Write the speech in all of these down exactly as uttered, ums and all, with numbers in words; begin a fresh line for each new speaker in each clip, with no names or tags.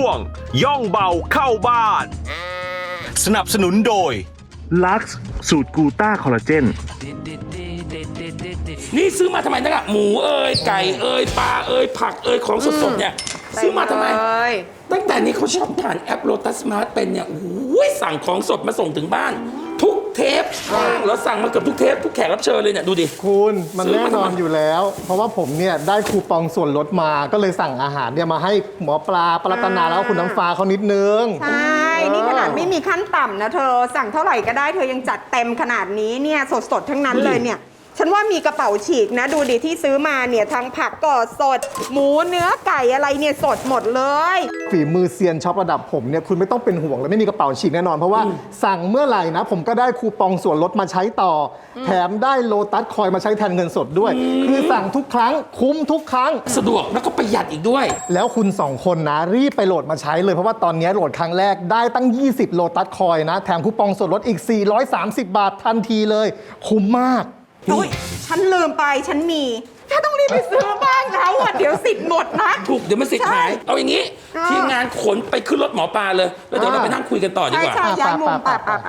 วง ย่องเบาเข้าบ้าน สนับสนุนโดย
Lux สูตรกูต้าคอลลาเจน
นี่ซื้อมาทำไมนะหมูเอ้ยไก่เอ้ยปลาเอ้ยผักเอ้ยของสดๆเนี่ยซื้อมาทำไมตั้งแต่นี้เขาชอบผ่านแอปโลตัสมาร์ทเป็นเนี่ยโอ้ยสั่งของสดมาส่งถึงบ้านทุกเทปแล้วสั่งมาเกือบทุกเทปทุกแขกรับเชิญเลยเนี่ยดูดิ
คุณมันแน่นอนอยู่แล้วเพราะว่าผมเนี่ยได้คูปองส่วนลดมาก็เลยสั่งอาหารเนี่ยมาให้หมอปลาปรัตนาแล้วคุณน้ำฟ้าเขานิดนึง
ใช่นี่ขนาดไม่มีขั้นต่ำนะเธอสั่งเท่าไหร่ก็ได้เธอยังจัดเต็มขนาดนี้เนี่ยสดๆทั้งนั้นเลยเนี่ยฉันว่ามีกระเป๋าฉีกนะดูดิที่ซื้อมาเนี่ยทั้งผักก็สดหมูเนื้อไก่อะไรเนี่ยสดหมดเลย
ฝีมือเซียนช็อประดับผมเนี่ยคุณไม่ต้องเป็นห่วงเลยไม่มีกระเป๋าฉีกแน่นอนเพราะว่าสั่งเมื่อไหร่นะผมก็ได้คูปองส่วนลดมาใช้ต่อแถมได้โลตัสคอยมาใช้แทนเงินสดด้วยคือสั่งทุกครั้งคุ้มทุกครั้ง
สะดวกแล้วก็ประหยัดอีกด้วย
แล้วคุณสองคนนะรีบไปโหลดมาใช้เลยเพราะว่าตอนนี้โหลดครั้งแรกได้ตั้งยี่สิบโลตัสคอยนะแถมคูปองส่วนลดอีกสี่ร้อยสามสิบบาททันทีเลยคุ้มมาก
อุ้ยฉันลืมไปฉันมีถ้าต้องรีบไปซื้อบ้างนะว่าเดี๋ยวสิทธิ์หมดนะ
ถูกเดี๋ยวมันสิทธิ์หายเอาอย่างนี้ทีมงานขนไปขึ้นรถหมอปลาเลยแล้วเดี๋ยวเราไปนั่งคุยกันต่อดีกว่า
ใช่ใช่ย้ายมุมปะปะ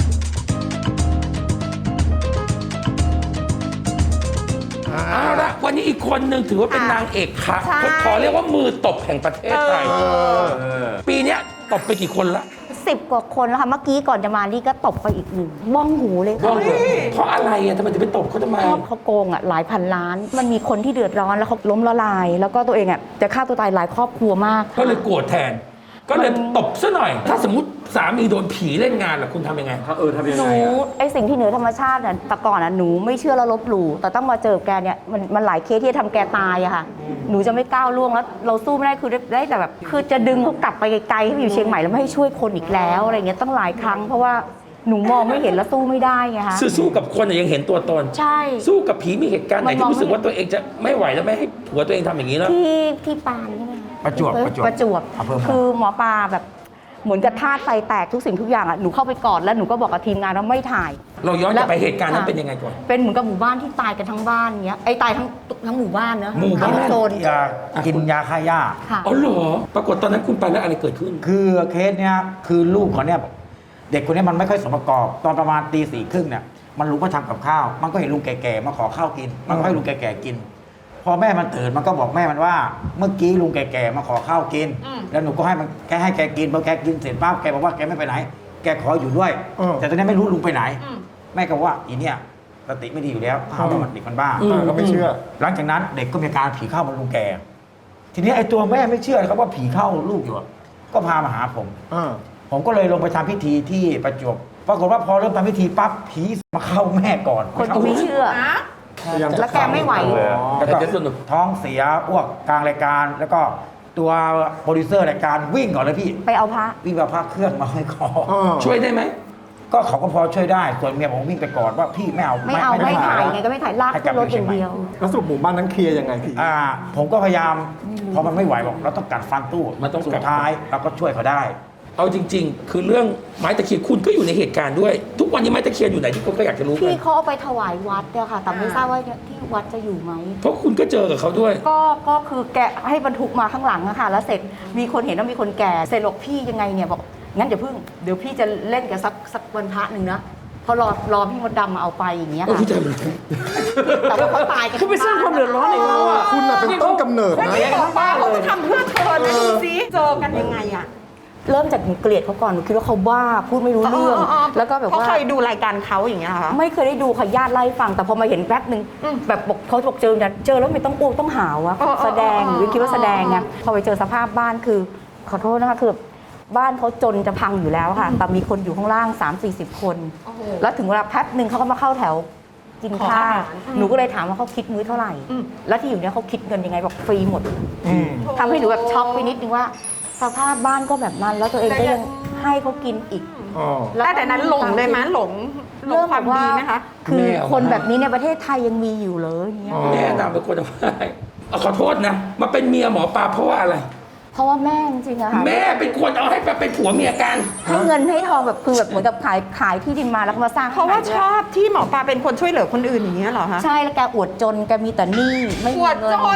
เอาละวันนี้อีกคนหนึ่งถือว่าเป็นนางเอกค่ะขอเรียกว่ามือตบแห่งประเทศไทยปีนี้ตบไปกี่คนละ
สิบกว่าคนแล้วค่ะเมื่อกี้ก่อนจะมานี่ก็ตบไปอีกหนึ่งบ้องหูเลยค่ะ
เพราะอะไรอ่ะทำไมถึงไปตบเขาทำไม
เขาโกงอ่ะหลายพันล้านมันมีคนที่เดือดร้อนแล้วเขาล้มละลายแล้วก็ตัวเองอ่ะจะฆ่าตัวตายหลายครอบครัวมาก
ก็เลยโกรธแทนก็เลยตบซะหน่อยถ้าสมมติสามีโดนผีเล่นงานล่ะคุณทำยังไง
เออทำยังไง
หนูไอสิ่งที่เหนือธรรมชาติน่ะแต่ก่อนอ่ะหนูไม่เชื่อแล้วลบหลู่แต่ต้องมาเจอแกเนี่ยมันมันหลายเคสที่จะทำแกตายอะค่ะหนูจะไม่ก้าวล่วงแล้วเราสู้ไม่ได้คือได้แต่แบบคือจะดึงเขากลับไปไกลๆให้อยู่เชียงใหม่แล้วไม่ให้ช่วยคนอีกแล้วอะไรเงี้ยต้องหลายครั้งเพราะว่าหนูมองไม่เห็นแล้วสู้ไม่ได้ไงคะ
สู้กับคนยังเห็นตัวตน
ใช่
สู้กับผีมีเหตุการณ์ไหนที่รู้สึกว่าตัวเองจะไม่ไหวแล้วไม่ให้ผัวตัวเองทำอย่างนี้แล้ว
ที่ที่ปานใช่ไหม
ประจวบประจวบ
ประจวบคือหมอปลาแบบเหมือนกับธาตุไฟแตกทุกสิ่งทุกอย่างอ่ะหนูเข้าไปกอดแล้วหนูก็บอกกับทีมงานว่าไม่ถ่าย
เราย้อนกลับไปเหตุการณ์นั้นเป็นยังไงก่อน
เป็นเหมือนกับหมู่บ้านที่ตายกันทั้งบ้านเงี้ยไอ้ตายทั้งทั้งหมู่บ้านเนอะ
หมู่บ้าน
โซน
ยากินยาฆ่าหญ้า
อ๋อเหรอปรากฏตอนนั้นคุณไปแล้วอะไรเกิดขึ้น
คือเคสเนี้ยคือลูกเขาเนี่ยเด็กคนนี้มันไม่ค่อยสมประกอบตอนประมาณตีสี่ครึ่งเนี่ยมันลุกมาทำกับข้าวมันก็เห็นลุงแก่ๆมาขอข้าวกินมันก็ให้ลุงแก่ๆกินพอแม่มันตื่นมันก็บอกแม่มันว่าเมื่อกี้ลุงแก่ๆมาขอข้าวกินแล้วหนูก็ให้มันแกให้แกกินพอแกกินเสร็จปั๊บแกบอกว่าแกไม่ไปไหนแกขออยู่ด้วยแต่ตอนนี้ไม่รู้ลุงไปไหนแม่ก็ว่าอีเนี่ยสติไม่ดีอยู่แล้วเขาว่ามันเด็กมันบ้า
ก็ไม่เชื่อ
หลังจากนั้นเด็กก็มีการผีเข้ามันลุงแกทีนี้ไอ้ตัวแม่ไม่เชื่อครับว่าผีเข้าลูกอยู่ก็พามาหาผมผมก็เลยลงไปทำพิธีที่ประจวบปรากฏว่าพอเริ่มทำพิธีปั๊บผีมาเข้าแม่ก่อน
คนก็ไม่เชื่อแล้วแกไม่ไหว
แล้วก็ท้องเสียอ้วกกลางรายการแล้วก็ตัวโปรดิวเซอร์รายการวิ่งก่อนเลยพี่
ไปเอาพระ
วิ่งเอาพระเครื่องมาห้อยคอ
ช่วยได้ไหม
ก็เขาก็พอช่วยได้ส่วนเมียผมวิ่งไปก่อนว่าพี่ไม่เอา
ไม่เอาไม่ถ่ายไงก็ไม่ถ่ายลากขึ้นรถอย่างเดียว
แล้วสุดหมู่บ้านนั้นเคลียร์ยังไงพี่
อ่าผมก็พยายามพอมันไม่ไหวบอกเราต้องกัดฟันตู้
มันต้อง
สุดท้ายเราก็ช่วยเขาได้
เอาจริงๆคือเรื่องไม้ตะเคียนคุณก็อยู่ในเหตุการณ์ด้วยทุกวันนี้ไม้ตะเคียนอยู่ไหนที่คนก็อยากจะรู้
ที่เขาเอาไปถวายวัดเนี่ยค่ะแต่ไม่ทราบว่าที่วัดจะอยู่ไหม
เพราะคุณก็เจอกับเขาด้วย
ก็ก็คือแกะให้บรรทุกมาข้างหลังอะค่ะแล้วเสร็จมีคนเห็นว่ามีคนแก่เสร็จบอกพี่ยังไงเนี่ยบอกงั้นเดี๋ยวพึ่งเดี๋ยวพี่จะเล่นกับสักสักวันพระหนึ่งนะพอรอรอพี่มดดำมาเอาไปอย่างเงี้ยค่ะแต่ว่าเขาตายกัน
เขาไปสร้างความเดือดร้อนในเราอ่ะ
คุณน่ะเป็นต้นกำเนิดนะ
ป้าเขาทำเพื่อเธอนะดูสิเจอกันยังไงอะ
เริ่มจากหนูเกลียดเขาก่อนหนูคิดว่าเขาบ้าพูดไม่รู้เรื่องแล้วก็แบบว่า
เขาเคยดูรายการเขาอย่างเงี้ยค่ะ
ไม่เคยได้ดูค่ะญาติไล่ฟังแต่พอมาเห็นแป๊บนึงแบบบอกเขาบอกเจอเจอแล้วไม่ต้องอ้วกต้องหาวะแสดงหรือคิดว่าแสดงไงพอไปเจอสภาพบ้านคือขอโทษนะคะคือบ้านเขาจนจะพังอยู่แล้วค่ะแต่มีคนอยู่ข้างล่าง สามสี่สิบ คนแล้วถึงเวลาแป๊บนึงเขาก็มาเข้าแถวกินข้าวหนูก็เลยถามว่าเขาคิดมื้อเท่าไหร่แล้วที่อยู่เนี้ยเขาคิดเงินยังไงบอกฟรีหมดทำให้หนูแบบช็อกไปนิดนึงว่าสภาพบ้านก็แบบนั้นแล้วตัวเองก็ยังให้เขากินอีก
แล้วแต่นั้นหลงเลยไหมหลง
เรื่องความดีไหมคะคือคนแบบนี้ในประเทศไทยยังมีอยู่เลยเงี้ย
แม่นำเป็นคนทำให้ขอโทษนะมาเป็นเมียหมอปลาเพราะว่าอะไร
เพราะว่าแม่จริงๆอะค่ะ
แม่เป็นคนเอาให้เป็นผัวเมียกัน
ให้เงินให้ทองแบบคือแบบเหมือนกับขายขายที่ดินมาแล้วมาสร้าง
เพราะว่าชอบที่หมอปลาเป็นคนช่วยเหลือคนอื่นอย่างเงี้ยเหรอคะ
ใช่แล้วแกอวดจนแกมีแต่หนี้ไม่มีเงิน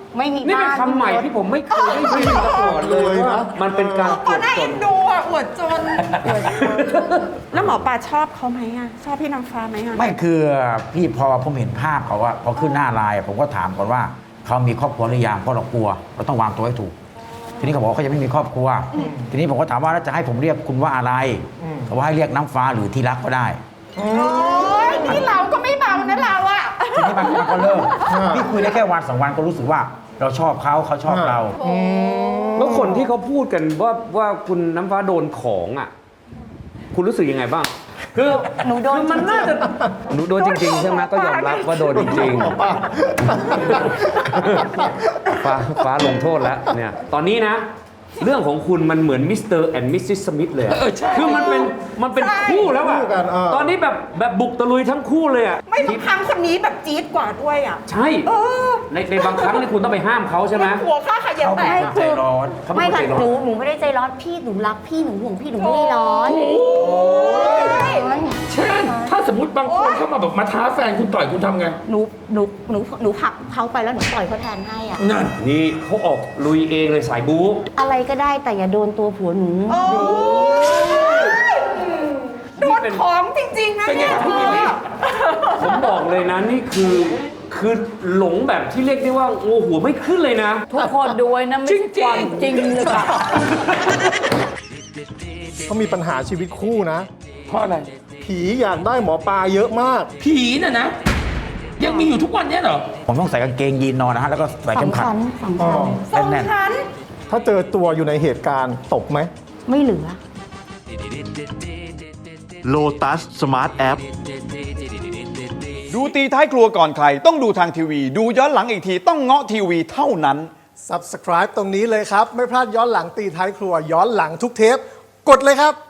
ไม่มี
นี่เป็น
บ้าน
คำใหม่ที่ผมไม่เคยได้ยินมาก่อนเลยว่ามันเป็นการ
ก็น่าเอ็นดูอ่ะอวดจน แล้วหมอปลาชอบเขาไหมอ่ะ ชอบพี่นางฟ้าไหมอ่ะ
ไม่คือพี่พอผมเห็นภาพเขาว่าพอขึ้นหน้าไลน์ผมก็ถามก่อนว่าเขามีครอบครัวหรือยังเพราะเรากลัวเราต้องวางตัวให้ถูก ทีนี้เขาบอกว่าเขายังไม่มีครอบครัว ทีนี้ผมก็ถามว่าแล้วจะให้ผมเรียกคุณว่าอะไรเขาว่าให้เรียกน้ำฟ้าหรือที่รักก็ได้
โอ้ยนี่เราก็ไม่เบานะเราอ่ะ
ทีนี้มันมันก็เริ่มพี่คุยได้แค่วันสองวันก็รู้สึกว่าเราชอบเขาเขาชอบเรา
แล้วคนที่เขาพูดกันว่าว่าคุณน้ำฟ้าโดนของอ่ะ คุณรู้สึกยังไงบ้าง คือ
หนูโดน
คือมันน่าจะหนูโดนจริง ๆ ใช่ไหมก็ยอมรับว่าโดนจริงๆฟ้าฟ้าลงโทษแล้วเนี่ยตอนนี้นะ เรื่องของคุณมันเหมือนมิสเตอร์แอนด์มิสซิสสมิธเลยอะ
เออใช่
คือมันเป็นมันเป็นคู่แล้วอะ
คู่กันเออ
ตอนนี้แบบแบบบุกตะลุยทั้งคู่เลยอะ
ไม่ทุกครั้งคนนี้แบบจี๊ดกว่าด้วยอ่ะ
ใช่
เออ
ในในบางครั้งนี่คุณต้องไปห้ามเขาใช่ไหม
หัวข้าขยัน
เขา
แต
เป็น
ก
คนใจร้อน
เขา
ไม่
เป็นคน
ค่ะ
ใจร้อน
หนูหนูไม่ได้ใจร้อนพี่หนูรักพี่หนูห่วงพี่หนูไม่ได้ร้อน
เช่นถ้าสมมติบางคนเข้ามาแบบมาท้าแฟนคุณต่อยคุณทำไง
หนูหนูหนูหนูผลักเขาไปแล้วหนูต่อยเขาแทนให้อ่ะ
นั่น
นี่เขาออกลุยเองเลยสายบู๊
อะไรก็ได้แต่อย่าโดนตัวผัวหนู
โอ้ยโดนของจริง ๆ นะ
เป็นไง
เนี่ย
ครับพี่มิลลี่
ผมบอกเลยนะนี่คือคือหลงแบบที่เรียกได้ว่าโอ้หัวไม่ขึ้นเลยนะ
ทุกคนดูไว้นะไม่ใช่ความจริงเลยค่ะ
เขามีปัญหาชีวิตคู่นะ
เพราะอะไร
ผีอยากได้หมอปลาเยอะมาก
ผีน่ะนะ ยังมีอยู่ทุกวันเนี้ยเหรอ
ผมต้องใส่กางเกงยีนนอนนะฮะแล้วก็ใส่เข็มขัด
สำคัญสำคัญ
สอง
แน่นๆ
ชั้น
ถ้าเจอตัวอยู่ในเหตุการณ์ตบไหม
ไม่เหลือ
Lotus Smart App
ดูตีท้ายครัวก่อนใคร ต้องดูทางทีวี ดูย้อนหลังอีกทีต้องเงาะทีวีเท่านั้น
Subscribe ตรงนี้เลยครับ ไม่พลาดย้อนหลังตีท้ายครัว ย้อนหลังทุกเทป กดเลยครับ